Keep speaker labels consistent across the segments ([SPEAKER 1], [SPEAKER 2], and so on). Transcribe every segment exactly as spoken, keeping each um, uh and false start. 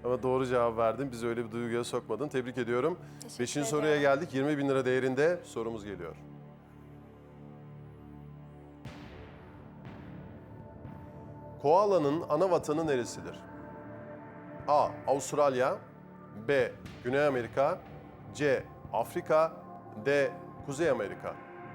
[SPEAKER 1] Ama doğru cevap verdin. Bizi öyle bir duyguya sokmadın. Tebrik ediyorum.
[SPEAKER 2] Teşekkür
[SPEAKER 1] Beşinci
[SPEAKER 2] ederim.
[SPEAKER 1] soruya geldik. yirmi bin lira değerinde sorumuz geliyor. Koalanın ana vatanı neresidir? A. Avustralya, B. Güney Amerika, C. Afrika, D. Kuzey Amerika.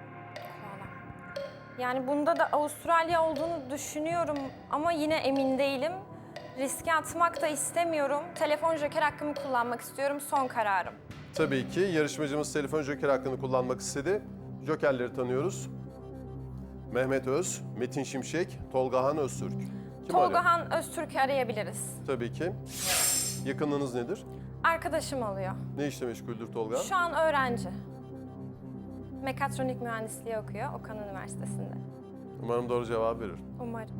[SPEAKER 2] Yani bunda da Avustralya olduğunu düşünüyorum ama yine emin değilim. Riske atmak da istemiyorum. Telefon joker hakkımı kullanmak istiyorum. Son kararım.
[SPEAKER 1] Tabii ki yarışmacımız telefon joker hakkını kullanmak istedi. Jokerleri tanıyoruz. Mehmet Öz, Metin Şimşek, Tolgahan Öztürk. Kim arıyor?
[SPEAKER 2] Tolgahan Öztürk'ü arayabiliriz.
[SPEAKER 1] Tabii ki. Yakınlığınız nedir?
[SPEAKER 2] Arkadaşım alıyor.
[SPEAKER 1] Ne işle meşguldür Tolgahan?
[SPEAKER 2] Şu an öğrenci. Mekatronik mühendisliği okuyor Okan Üniversitesi'nde.
[SPEAKER 1] Umarım doğru cevap verir.
[SPEAKER 2] Umarım.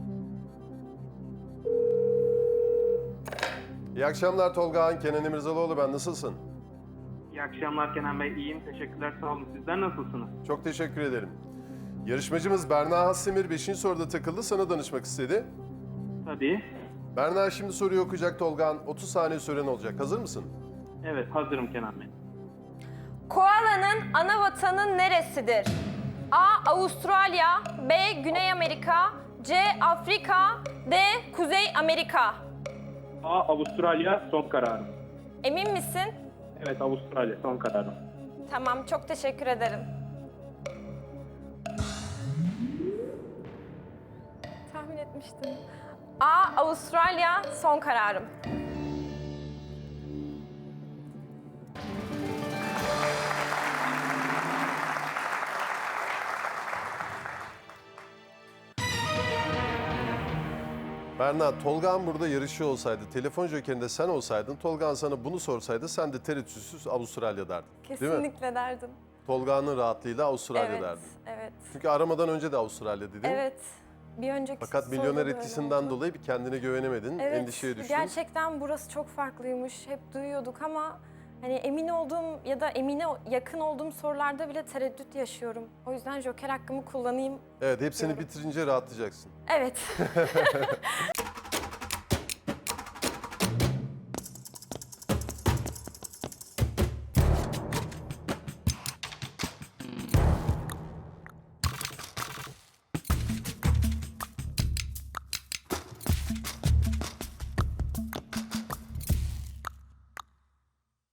[SPEAKER 1] İyi akşamlar Tolgahan. Kenan İmirzalıoğlu ben. Nasılsın?
[SPEAKER 3] İyi akşamlar Kenan Bey. İyiyim. Teşekkürler. Sağ olun. Sizler nasılsınız?
[SPEAKER 1] Çok teşekkür ederim. Yarışmacımız Berna Hassemir beşinci soruda takıldı. Sana danışmak istedi.
[SPEAKER 3] Tabii.
[SPEAKER 1] Berna şimdi soruyu okuyacak Tolgahan. otuz saniye süren olacak. Hazır mısın?
[SPEAKER 3] Evet, hazırım Kenan Bey.
[SPEAKER 2] Koalanın ana vatanı neresidir? A. Avustralya, B. Güney Amerika, C. Afrika, D. Kuzey Amerika.
[SPEAKER 3] A. Avustralya son kararım.
[SPEAKER 2] Emin misin?
[SPEAKER 3] Evet, Avustralya son kararım.
[SPEAKER 2] Tamam, çok teşekkür ederim. Tahmin etmiştim. A. Avustralya son kararım.
[SPEAKER 1] Berna, Tolgahan burada yarışıyor olsaydı, telefon jokerinde sen olsaydın, Tolgahan sana bunu sorsaydı sen de tereddütsüz Avustralya derdin. Değil mi?
[SPEAKER 2] Kesinlikle derdim.
[SPEAKER 1] Tolgahan'ın rahatlığıyla Avustralya
[SPEAKER 2] Evet,
[SPEAKER 1] derdin.
[SPEAKER 2] evet,
[SPEAKER 1] Çünkü aramadan önce de Avustralya dedin.
[SPEAKER 2] evet. Bir önceki
[SPEAKER 1] Fakat
[SPEAKER 2] soruda
[SPEAKER 1] milyoner
[SPEAKER 2] da öyle
[SPEAKER 1] etkisinden
[SPEAKER 2] oldu.
[SPEAKER 1] dolayı bir kendine güvenemedin,
[SPEAKER 2] Evet,
[SPEAKER 1] endişeye düştün.
[SPEAKER 2] gerçekten burası çok farklıymış. Hep duyuyorduk ama hani emin olduğum ya da emine yakın olduğum sorularda bile tereddüt yaşıyorum. O yüzden joker hakkımı kullanayım.
[SPEAKER 1] Evet, hepsini
[SPEAKER 2] diyorum.
[SPEAKER 1] bitirince rahatlayacaksın.
[SPEAKER 2] Evet.